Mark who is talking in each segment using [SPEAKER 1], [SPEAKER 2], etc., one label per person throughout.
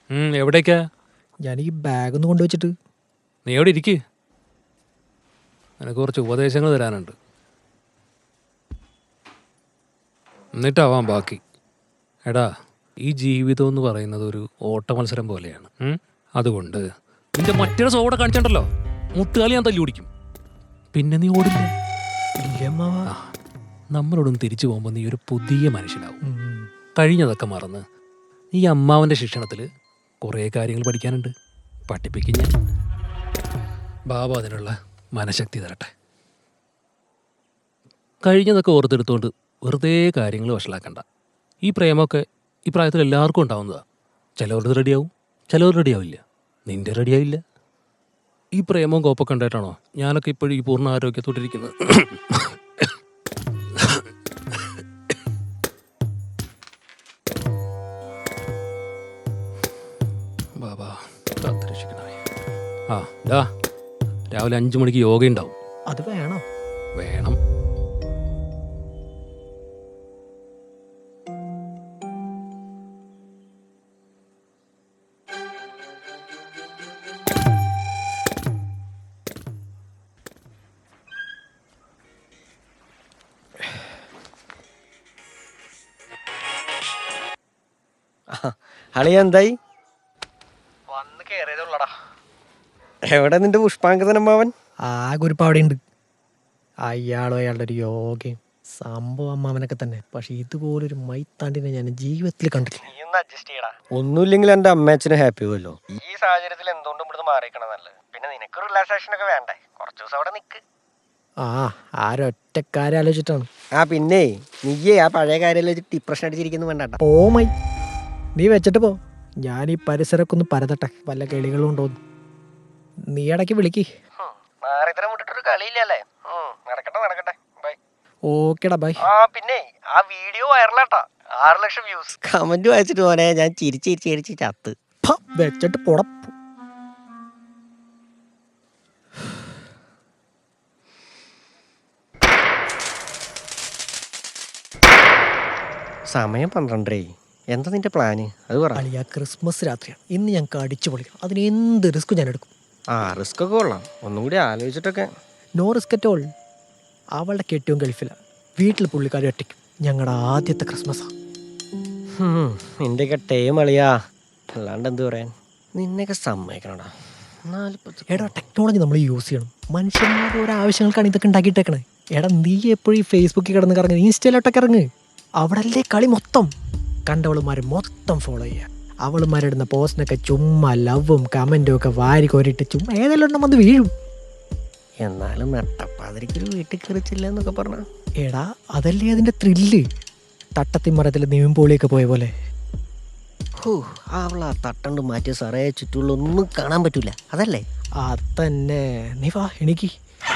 [SPEAKER 1] എവിടേക്കാ?
[SPEAKER 2] ഞാൻ ഈ ബാഗ് ഒന്ന് കൊണ്ടുവച്ചിട്ട്.
[SPEAKER 1] നീ എവിടെ ഇരിക്ക്, എനിക്ക് കുറച്ച് ഉപദേശങ്ങൾ തരാനുണ്ട്. എന്നിട്ടാവാം ബാക്കി. എടാ, ഈ ജീവിതം എന്ന് പറയുന്നത് ഒരു ഓട്ട മത്സരം പോലെയാണ്. അതുകൊണ്ട് നിന്റെ മറ്റൊരു സോടെ കാണിച്ചിട്ടുണ്ടല്ലോ, മുട്ടുകാലി ഞാൻ തല്ലി ഓടിക്കും. പിന്നെ നീ ഓടില്ല. നമ്മളോടൊന്ന് തിരിച്ചു പോകുമ്പോൾ നീ ഒരു പുതിയ മനുഷ്യനാവും. കഴിഞ്ഞതൊക്കെ മറന്ന് ഈ അമ്മാവൻ്റെ ശിക്ഷണത്തിൽ കുറേ കാര്യങ്ങൾ പഠിക്കാനുണ്ട്. പഠിപ്പിക്കും ഞാൻ. ബാബ അതിനുള്ള മനഃശക്തി തരട്ടെ. കഴിഞ്ഞതൊക്കെ ഓർത്തെടുത്തുകൊണ്ട് വെറുതെ കാര്യങ്ങൾ വഷളാക്കണ്ട. ഈ പ്രേമമൊക്കെ ഈ പ്രായത്തിൽ എല്ലാവർക്കും ഉണ്ടാവുന്നതാണ്. ചിലവർക്ക് റെഡിയാവും, ചിലവർ റെഡിയാവില്ല. നിന്റെ റെഡിയാവില്ല. ഈ പ്രേമവും കോപ്പൊക്കെ ഉണ്ടായിട്ടാണോ ഞാനൊക്കെ ഇപ്പോഴും ഈ പൂർണ്ണ ആരോഗ്യത്തോട്ടിരിക്കുന്നത്? ബാബാ കാത്തുരക്ഷിക്കണമേ. രാവിലെ 5 മണിക്ക് യോഗ ഉണ്ടാവും.
[SPEAKER 2] അത് വേണം.
[SPEAKER 1] വേണം.
[SPEAKER 3] അളിയ എന്തായി? വന്ന് കേറിയതുള്ളടാ. എവിടെ നിന്റെ പുഷ്പാങ്കതനമ്മാവൻ?
[SPEAKER 2] ആകെ ഒരു അവിടെ ഉണ്ട്. അയാളും അയാളുടെ ഒരു യോഗയും സംഭവം അമ്മാവനൊക്കെ തന്നെ. പക്ഷെ ഇതുപോലൊരു മൈത്താണ്ടിനെ ഞാൻ ജീവിതത്തിൽ കണ്ടിട്ടില്ല.
[SPEAKER 3] ഒന്നുമില്ലെങ്കിൽ എന്റെ അമ്മയച്ഛന് ഹാപ്പി ആവുമല്ലോ. ഈ സാഹചര്യത്തിൽ എന്തുകൊണ്ടും ഇവിടുന്ന് മാറിയിക്കണം നല്ലത്. പിന്നെ നിനക്ക് റിലാക്സേഷൻ ഒക്കെ വേണ്ടേ? കുറച്ചു ദിവസം അവിടെ നിക്ക്.
[SPEAKER 2] ആരൊറ്റ കാര്യം ആലോചിച്ചിട്ടാണ്.
[SPEAKER 3] പിന്നെ നീയേ ആ പഴയ കാര്യം ആലോചിച്ചിട്ട് ഡിപ്രഷൻ അടിച്ചിരിക്കുന്നു വേണ്ട.
[SPEAKER 2] മൈ നീ വെച്ചിട്ട് പോ. ഞാൻ ഈ പരിസരമൊക്കെ ഒന്ന് പരതട്ടെ, വല്ല കിളികളും ഉണ്ടോന്ന്. നീ ഇടയ്ക്ക് വിളിക്ക്.
[SPEAKER 3] കളിയില്ലല്ലേ? നടക്കട്ടെ. ബൈ.
[SPEAKER 2] ഓക്കേടാ ബൈ.
[SPEAKER 3] പിന്നെ ആ വീഡിയോ വൈറലാട്ടാ. 6 ലക്ഷം വ്യൂസ്. കമന്റ് വായിച്ചിട്ട് പോനെ ഞാൻ ചിരിച്ച് ചത്ത്.
[SPEAKER 2] വെച്ചിട്ട് പോട.
[SPEAKER 3] സമയം 12. എന്താ നിന്റെ പ്ലാന്? അത് പറ.
[SPEAKER 2] അളിയാ, ക്രിസ്മസ് രാത്രിയാണ്. ഇന്ന് ഞങ്ങൾക്ക് അടിച്ചു പൊളിക്കണം. അതിന് എന്ത് റിസ്ക് ഞാൻ എടുക്കും.
[SPEAKER 3] റിസ്ക് ഒക്കെ കൊള്ളാം. ഒന്നും കൂടി ആലോചിച്ചിട്ടൊക്കെ.
[SPEAKER 2] No risk at all. അവളുടെ കെട്ടിയും ഗൾഫിലാണ്. വീട്ടിൽ പുള്ളിക്കാരി ഒറ്റയ്ക്കും. ഞങ്ങളുടെ ആദ്യത്തെ ക്രിസ്മസാ.
[SPEAKER 3] നിന്റെയൊക്കെ ടൈം അളിയാ. അല്ലാണ്ട് എന്ത് പറയാൻ. നിന്നെയൊക്കെ സമ്മതിക്കണടാ.
[SPEAKER 2] എടാ, ടെക്നോളജി നമ്മൾ യൂസ് ചെയ്യണം. മനുഷ്യന്മാരുടെ ഓരോ ആവശ്യങ്ങൾക്കാണ് ഇതൊക്കെ ഉണ്ടാക്കിയിട്ടേക്കണേ. എടാ, നീ എപ്പോഴും ഈ ഫേസ്ബുക്കിൽ കിടന്ന് കറങ്ങുക, ഇൻസ്റ്റയിലോട്ടൊക്കെ ഇറങ്ങ്. അവിടെ അല്ലേ കളി മൊത്തം. കണ്ടവളുമാരെ മൊത്തം ഫോളോ ചെയ്യുക. അവളുമാരിടുന്ന പോസ്റ്റിനൊക്കെ ചുമ്മാ ലവും കമൻറ്റും ഒക്കെ വാരി കോരിയിട്ട് ചുമ്മാ ഏതെല്ലാം ഉണ്ടെങ്കിൽ അത് വീഴും.
[SPEAKER 3] എന്നാലും നട്ടപ്പാതിരിക്കൊരു വീട്ടിൽ കയറിച്ചില്ല എന്നൊക്കെ പറഞ്ഞ.
[SPEAKER 2] എടാ, അതല്ലേ അതിൻ്റെ ത്രില്ല്. തട്ടത്തിമരത്തിൽ നീമ്പോളിയൊക്കെ പോയ പോലെ.
[SPEAKER 3] അവളാ തട്ടണ്ട് മാറ്റിയ സാറേ, ചുറ്റുള്ള ഒന്നും കാണാൻ പറ്റൂല. അതല്ലേ?
[SPEAKER 2] അതന്നെ. നീ വാ, എനിക്ക്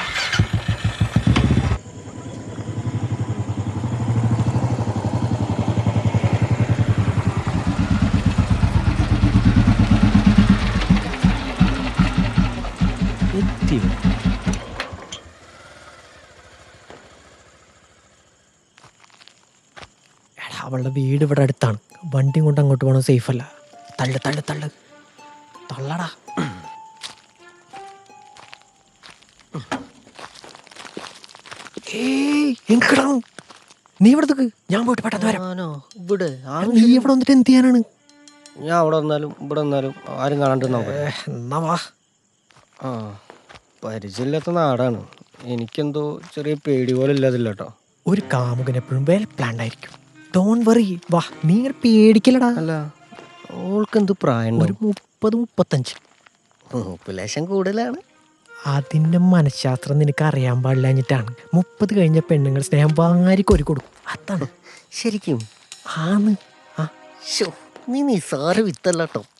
[SPEAKER 2] അവളുടെ വീട് ഇവിടെ അടുത്താണ്. വണ്ടിയും കൊണ്ട് അങ്ങോട്ട് പോകണം, സേഫ് അല്ല. തള്ളടാ. നീ ഇവിടെ ഞാൻ പോയിട്ട് പെട്ടെന്ന് വരാം. നീ ഇവിടെ വന്നിട്ട് എന്ത് ചെയ്യാനാണ്?
[SPEAKER 3] ഞാൻ അവിടെ വന്നാലും ഇവിടെ വന്നാലും ആരും കാണാണ്ട്
[SPEAKER 2] എന്നാ വാ.
[SPEAKER 3] പരിചയമില്ലാത്ത നാടാണ്. എനിക്കെന്തോ ചെറിയ പേടി പോലെ ഇല്ലാതില്ല കേട്ടോ.
[SPEAKER 2] ഒരു കാമുകൻ എപ്പോഴും വെൽ പ്ലാൻഡ് ആയിരിക്കും. ഡോണ്ട് വറി, വാ. നീ ഇങ്ങനെ പേടിക്കലടാ.
[SPEAKER 3] അല്ല, ഓൾക്ക് എന്ത് പ്രായം?
[SPEAKER 2] ഒരു 30-35.
[SPEAKER 3] പോപ്പുലേഷൻ കൂടുതലാണ്.
[SPEAKER 2] അതിന്റെ മനഃശാസ്ത്രം നിനക്ക് അറിയാൻ പാടില്ലാഞ്ഞിട്ടാണ്. 30 കഴിഞ്ഞ പെണ്ണുങ്ങൾ സ്നേഹം വാരിക്കൊരു കൊടുക്കും. അതാണ്
[SPEAKER 3] ശരിക്കും.
[SPEAKER 2] ആന്ന്.
[SPEAKER 3] നീ നിസാര വിത്തല്ലോ.